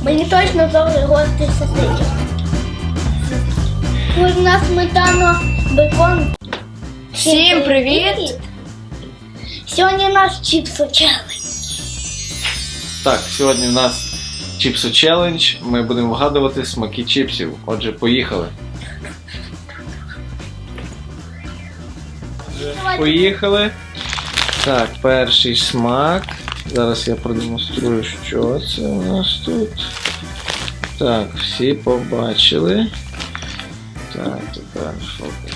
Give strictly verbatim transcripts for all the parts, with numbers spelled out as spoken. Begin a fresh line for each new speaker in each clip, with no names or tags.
Мені точно завжди гості сосиски. Кожна сметана, бекон.
Всім привіт!
Сьогодні наш чіпсо челендж.
Так, сьогодні в нас чіпсо челендж. Ми будемо вгадувати смаки чіпсів. Отже, поїхали. Поїхали. Так, перший смак. Зараз я продемонструю, що це у нас тут. Так, всі побачили. Так, тепер фокус.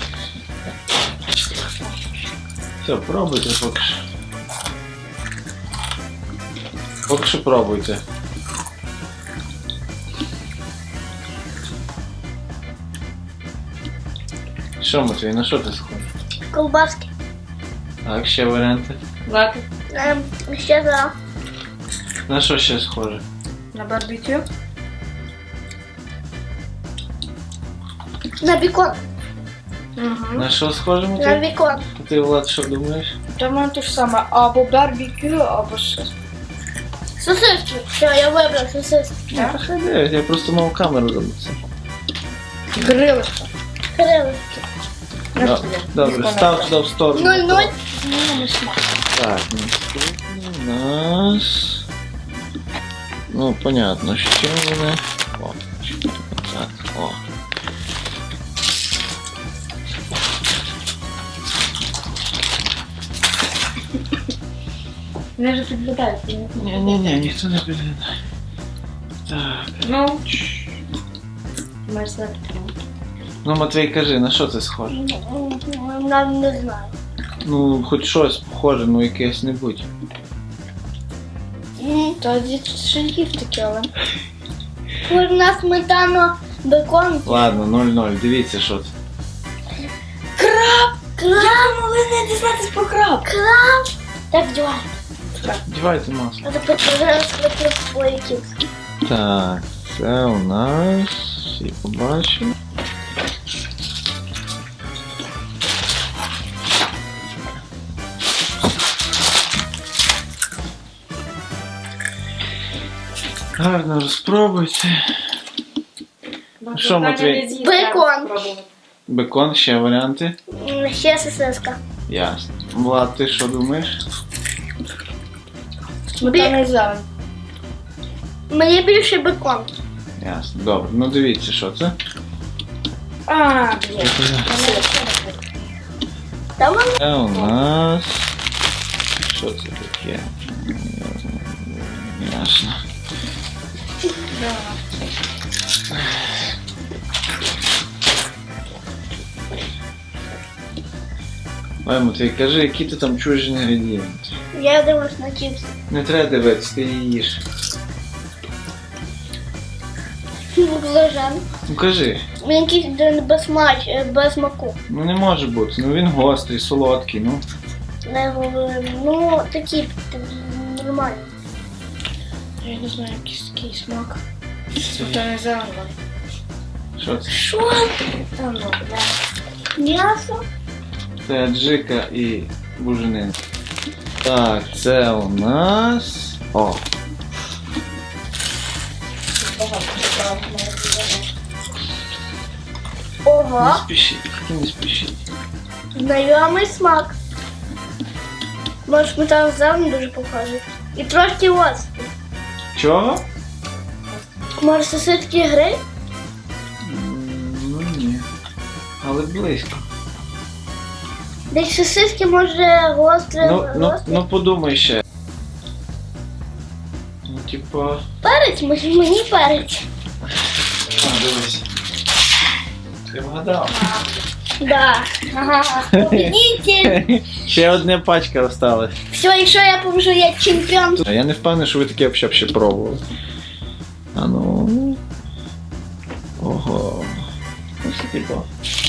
Все, пробуйте поки що. Поки що пробуйте. Що, Матвій, на що ти схожий?
Колбаски.
Так, ще варіанти.
Лапи.
Ем, ще за.
На що ще схоже?
На барбекю.
На бекон.
Угу.
На що схоже,
На
Матвій?
бекон.
А ти, Влад, що думаєш?
Та в мене те ж саме. Або барбекю, або щось.
Сосиски. Все, я вибрав сосиски.
Я хай дивись, я просто мав камеру забути.
Грилочка.
Крилишки.
Да, добре, став туди в сторону.
Нуль-нуль.
Ну, не смак.
Так, наступний у нас... Ну, понятно, що вони... О, так, о.
Вони вже підглядають.
Ні-ні-ні, ніхто не підглядає. Так.
Ну, маєш знати.
Ну, Матвій, кажи, на що це схоже?
Нам не знаю.
Ну, хоч щось похоже, ну якесь не будь.
Та дід ще їв таке, але...
Кожна сметана, бекон.
Ладно, нуль-нуль, дивіться, що це.
Краб. Краб.
Я могли не дізнатись про краб.
Краб. Так, дівай.
Дівайте масло.
А тепер зараз схватив свої кіпси.
Так, це у нас... Всі побачили. Гарно розпробуйте. Що, Матвій?
Бекон.
Бекон, ще варіанти?
М, Ще сосиска.
Ясно. Влад, ти що думаєш?
Сметана і зелень.
Мені більше бекон.
Ясно. Добре. Ну дивіться, що це.
А, блін.
Там воно.
Це у нас... Що це таке? Ясно. Ой, Матвій, кажи, які ти там чуєш інгредієнти?
Я дивлюсь на чіпси.
Не треба дивитися, ти її їж.
Баклажан.
Ну кажи.
Він якийсь один без смач, без смаку.
Ну не може бути. Ну він гострий, солодкий, ну.
Не говорю. Ну, такі нормальні.
Я не знаю, якийсь такий смак. Сметана і зелень.
Що це?
Що?
Та ну, бля.
М'ясо?
Це аджика і буженин. Так, це у нас... О!
Багато цікавого має бути.
Не
Ого.
спішіть, тільки не спішіть.
Знайомий смак. Може, сметана зелень дуже похожий. І трошки острий.
Чого?
Може, сосиски гри?
М, Ну ні. Але близько.
Десь сосиски може гостре.
Ну, ну,
гострий.
ну подумай ще. Ну, типа...
Перець, може мені перець.
А, дивись. Ти вгадав.
Да. Ага. Победитель.
Ще одна пачка осталась.
Все, якщо я поможу, я чемпіон.
А я не впевнений, що ви таке взагалі ще пробували. А ну. Ого. Ну це типу.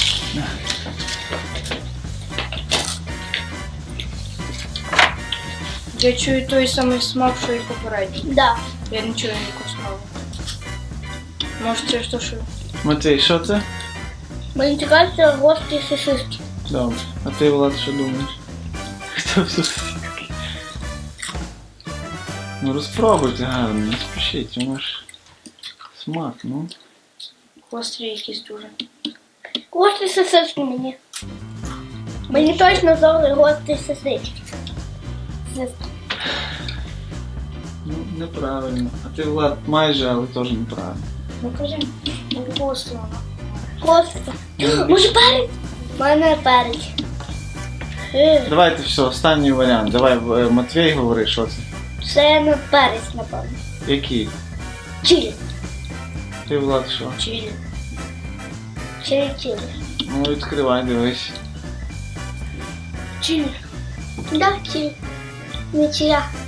Я чую той самий смак, що і попередній.
Да.
Я не чую ніякого смаку. Може, це ж то, що...
Матвій, що це?
Мені цікавиться гострі сосиски.
Добре. А ти, Влад, що думаєш? Хто все? Ну розпробуйте гарно, не спішіть, воно ж Смак, ну.
Гострий якийсь дуже.
Гострі сосиски мені. Мені точно зовли гострі сосиски. Сосиски.
Ну, неправильно. А ти, Влад, майже, але теж неправильно.
Ну кажи, ну гостро воно.
Гострі. Може перець? У мене перець. Е,
Давайте все, останній варіант. Давай, е, Матвій, говори, що це.
Це не перець, напевно.
Який?
Чилі.
Ти, Влад, що?
Чилі.
Чилі, чилі.
Ну, відкривай, дивись.
Чилі.
Да, чилі. Не чия.